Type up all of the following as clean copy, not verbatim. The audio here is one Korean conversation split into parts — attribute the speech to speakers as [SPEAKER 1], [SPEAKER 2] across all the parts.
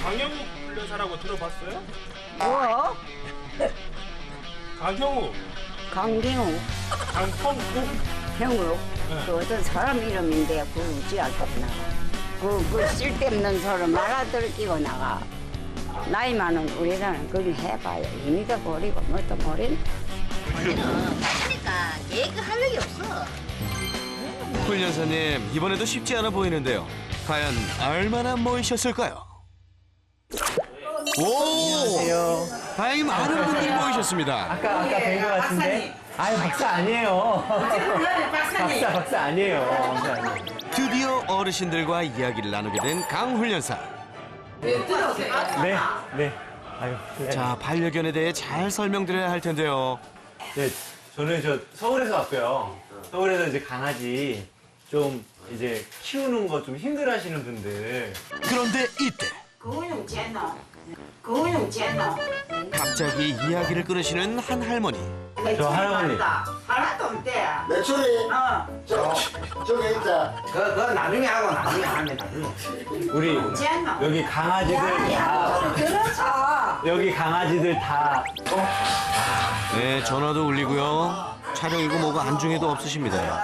[SPEAKER 1] 강영욱 훈련사라고 들어봤어요?
[SPEAKER 2] 뭐?
[SPEAKER 1] 강형욱,
[SPEAKER 2] 강경우,
[SPEAKER 1] 강형욱.
[SPEAKER 2] 형우.
[SPEAKER 1] 네.
[SPEAKER 2] 그 어떤 사람 이름인데 그러지 않겠나. 그 쓸데없는 소리 말아들끼고 나가. 나이 많은 우리들은 그걸 해봐요. 이미도 버리고 뭣도 모르는.
[SPEAKER 3] 그러니까 계획 할 일이 없어.
[SPEAKER 4] 훈련사님, 이번에도 쉽지 않아 보이는데요. 과연 얼마나 모이셨을까요? 오!
[SPEAKER 5] 안녕하세요.
[SPEAKER 4] 다행히 많은 분들이 모이셨습니다.
[SPEAKER 5] 아까 뵌 것 같은데? 아유, 박사 아니에요. 박사 아니에요. 박사 아니에요.
[SPEAKER 4] 드디어 어르신들과 이야기를 나누게 된 강 훈련사.
[SPEAKER 5] 네. 아유.
[SPEAKER 4] 자, 반려견에 대해 잘 설명드려야 할 텐데요.
[SPEAKER 5] 네, 저는 서울에서 왔고요. 서울에서 이제 강아지 좀 이제 키우는 거 좀 힘들어 하시는 분들.
[SPEAKER 4] 그런데 이때 갑자기 이야기를 끊으시는 한 할머니.
[SPEAKER 5] 저 할아버님.
[SPEAKER 2] 하나도 없대.
[SPEAKER 6] 매출이 저기 있자.
[SPEAKER 7] 그거 나중에 하고 나중에 하면 나중에.
[SPEAKER 5] 우리 여기 강아지들 다.
[SPEAKER 2] 그렇죠.
[SPEAKER 5] 여기 강아지들 다.
[SPEAKER 4] 네, 전화도 울리고요. 촬영이고 뭐고 안중에도 없으십니다.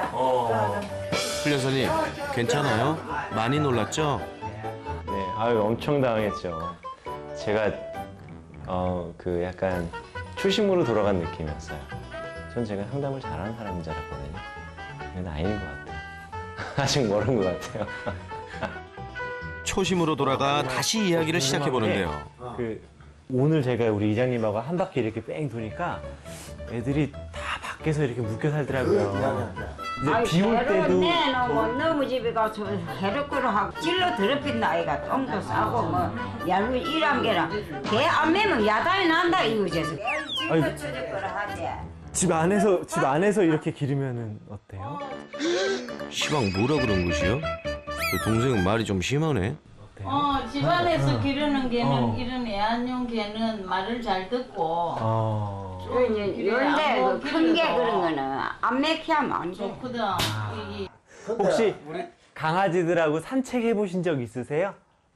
[SPEAKER 4] 훈련사님, 괜찮아요? 많이 놀랐죠?
[SPEAKER 5] 네, 아유, 엄청 당황했죠. 제가, 그 약간 초심으로 돌아간 느낌이었어요. 전 제가 상담을 잘하는 사람인 줄 알았거든요. 근데 아닌 것 같아요. 아직 모르는 것 같아요.
[SPEAKER 4] 초심으로 돌아가 다시 이야기를 시작해 보는데요.
[SPEAKER 5] 오늘 제가 우리 이장님하고 한 바퀴 이렇게 뺑 도니까 애들이 다 밖에서 이렇게 묶여 살더라고요. 이제 비 올 때도
[SPEAKER 2] 내놓으면 너무 집에 가서 해롭거로 하고 찔러 더럽힌 아이가 똥도 싸고 뭐 얄고 일한 게랑 개 안 매면 야단이 난다 이거지.
[SPEAKER 5] 아니,
[SPEAKER 2] 찔러 쳐질 하지.
[SPEAKER 5] 집 안에서 이렇게 기르면은 어때요?
[SPEAKER 4] 시방 뭐라 그런 것이요? 그 동생은 말이 좀 심하네.
[SPEAKER 8] 집안에서 기르는 개는 이런 애완용 개는 말을 잘 듣고
[SPEAKER 2] 그런데 큰 게 그런 거는 안 맥히면 안 돼.
[SPEAKER 8] 좋거든. 이게
[SPEAKER 5] 혹시 강아지들하고 산책해 보신 적 있으세요?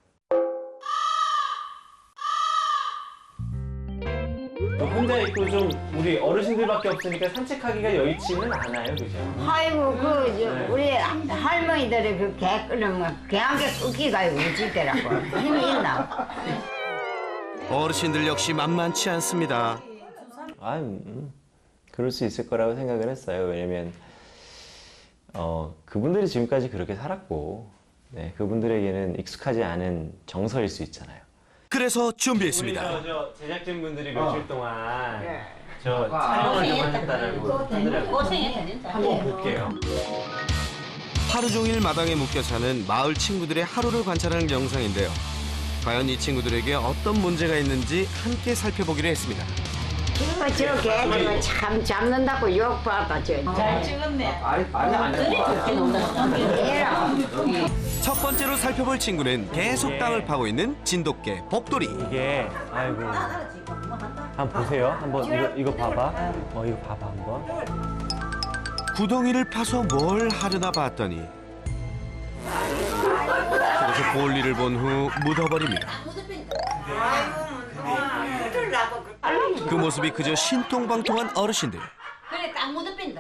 [SPEAKER 5] 혼자 있고 좀 우리 어르신들밖에 없으니까 산책하기가 여의치는 않아요, 그죠?
[SPEAKER 2] 아이고 우리 할머니들이 그 개 끓으면 개 한 개 끓기가 우지더라고. 힘이 있나?
[SPEAKER 4] 어르신들 역시 만만치 않습니다.
[SPEAKER 5] 그럴 수 있을 거라고 생각을 했어요. 왜냐면 그분들이 지금까지 그렇게 살았고, 네, 그분들에게는 익숙하지 않은 정서일 수 있잖아요.
[SPEAKER 4] 그래서 준비했습니다.
[SPEAKER 5] 저 제작진분들이 며칠 동안 저 촬영을 좀 하셨다고 하더라고요.
[SPEAKER 8] 고생했다 진짜.
[SPEAKER 5] 한번 볼게요.
[SPEAKER 4] 하루 종일 마당에 묶여 사는 마을 친구들의 하루를 관찰하는 영상인데요. 과연 이 친구들에게 어떤 문제가 있는지 함께 살펴보기로 했습니다.
[SPEAKER 2] 저 개들은 참 잡는다고 욕받아.
[SPEAKER 8] 잘 찍었네.
[SPEAKER 4] 첫 번째로 살펴볼 친구는 계속 땅을 파고 있는 진돗개 법돌이.
[SPEAKER 5] 이게 아이고 한번 보세요. 한번 이거 봐봐. 이거 봐봐 한번.
[SPEAKER 4] 구덩이를 파서 뭘 하려나 봤더니 그래서 볼일을 본 후 묻어버립니다. 그 모습이 그저 신통방통한 어르신들.
[SPEAKER 8] 그래 딱 묻어 뺀다.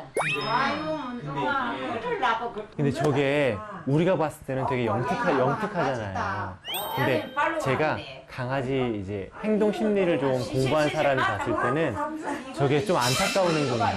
[SPEAKER 5] 근데 저게 우리가 봤을 때는 되게 영특하잖아요. 근데 제가 강아지 이제 행동 심리를 좀 공부한 사람이 봤을 때는 저게 좀 안타까운 행동이야.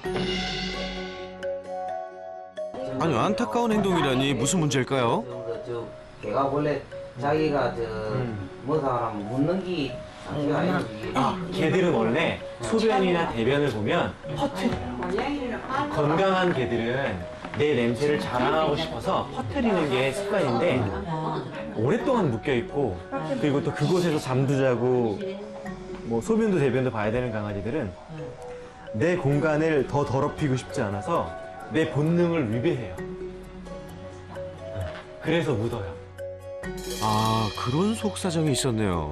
[SPEAKER 4] 아니, 안타까운 행동이라니 무슨 문제일까요?
[SPEAKER 7] 저 걔가 원래 자기가 뭐 사람 묻는 게 자기가 아니지.
[SPEAKER 5] 개들은 원래 소변이나 대변을 보면 퍼트려요. 건강한 개들은 내 냄새를 자랑하고 싶어서 퍼트리는 게 습관인데 오랫동안 묶여 있고 그리고 또 그곳에서 잠도 자고 뭐 소변도 대변도 봐야 되는 강아지들은 내 공간을 더 더럽히고 싶지 않아서 내 본능을 위배해요. 그래서 묻어요.
[SPEAKER 4] 아, 그런 속사정이 있었네요.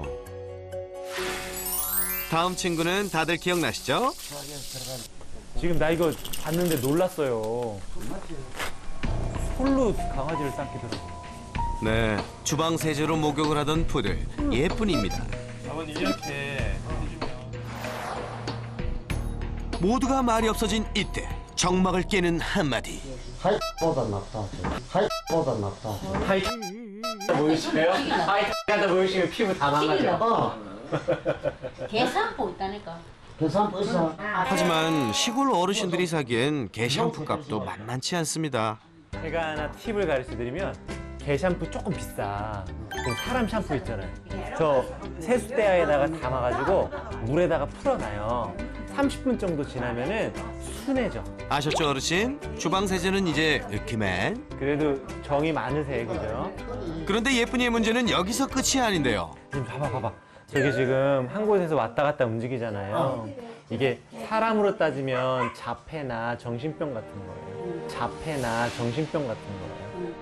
[SPEAKER 4] 다음 친구는 다들 기억나시죠?
[SPEAKER 5] 지금 나 이거 봤는데 놀랐어요. 솔로 강아지를 삼키더라고요.
[SPEAKER 4] 네, 주방 세제로 목욕을 하던 푸들 예쁜입니다.
[SPEAKER 1] 아버님 이렇게 해주면
[SPEAKER 4] 모두가 말이 없어진 이때 정막을 깨는 한마디.
[SPEAKER 6] 하이보다 낫다. 하이보다 낫다.
[SPEAKER 5] 하이 보이시면 하이 가다 보이시면 피부 다 망가져.
[SPEAKER 3] 계산법 있다니까.
[SPEAKER 6] 계산부 있어.
[SPEAKER 4] 하지만 시골 어르신들이 사기엔 개 샴푸 값도 만만치 않습니다.
[SPEAKER 5] 제가 하나 팁을 가르쳐드리면 개 샴푸 조금 비싸. 그 사람 샴푸 있잖아요. 저 세숫대야에다가 담아가지고 물에다가 풀어놔요. 30분 정도 지나면은 순해져.
[SPEAKER 4] 아셨죠 어르신? 주방 세제는 이제 으키맨.
[SPEAKER 5] 그래도 정이 많으세요, 그죠?
[SPEAKER 4] 그런데 예쁜이의 문제는 여기서 끝이 아닌데요.
[SPEAKER 5] 지금 봐봐. 저기 지금 한 곳에서 왔다 갔다 움직이잖아요. 이게 사람으로 따지면 자폐나 정신병 같은 거예요. 자폐나 정신병 같은 거예요.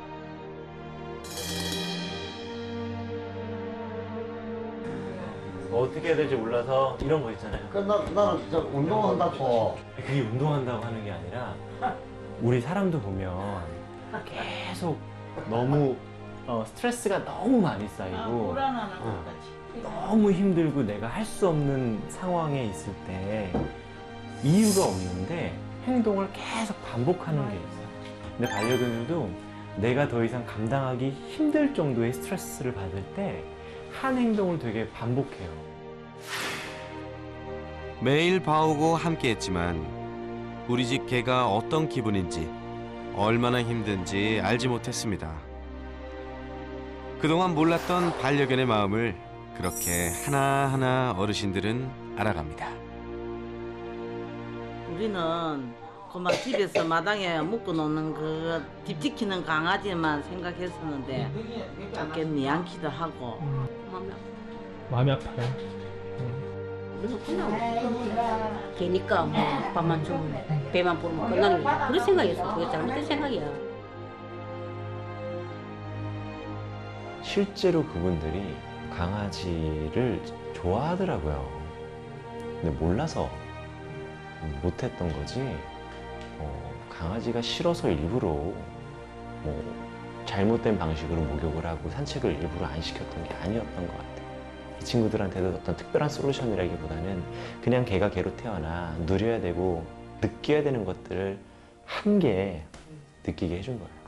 [SPEAKER 5] 어떻게 해야 될지 몰라서 이런 거 있잖아요.
[SPEAKER 6] 나는 저 운동한다고.
[SPEAKER 5] 그게 운동한다고 하는 게 아니라 우리 사람도 보면 계속 너무 스트레스가 너무 많이 쌓이고
[SPEAKER 8] 불안하는 것 같이.
[SPEAKER 5] 너무 힘들고 내가 할 수 없는 상황에 있을 때 이유가 없는데 행동을 계속 반복하는 게 있어요. 근데 반려견들도 내가 더 이상 감당하기 힘들 정도의 스트레스를 받을 때 한 행동을 되게 반복해요.
[SPEAKER 4] 매일 봐오고 함께했지만 우리 집 개가 어떤 기분인지 얼마나 힘든지 알지 못했습니다. 그동안 몰랐던 반려견의 마음을 그렇게 하나하나 어르신들은 알아갑니다.
[SPEAKER 9] 우리는 그만 집에서 마당에 묶어놓는 그 딥지키는 강아지만 생각했었는데 꽤 미안기도 하고
[SPEAKER 10] 마음이 아파요.
[SPEAKER 3] 그래서 그냥 걔니까 뭐 밥만 주면 배만 부르면 끝나는 거야. 그런 생각이었어. 그게 잘못된 생각이야.
[SPEAKER 5] 실제로 그분들이 강아지를 좋아하더라고요. 근데 몰라서 못했던 거지. 강아지가 싫어서 일부러 잘못된 방식으로 목욕을 하고 산책을 일부러 안 시켰던 게 아니었던 것 같아요. 이 친구들한테도 어떤 특별한 솔루션이라기보다는 그냥 걔가 걔로 태어나 누려야 되고 느껴야 되는 것들을 함께 느끼게 해준 거예요.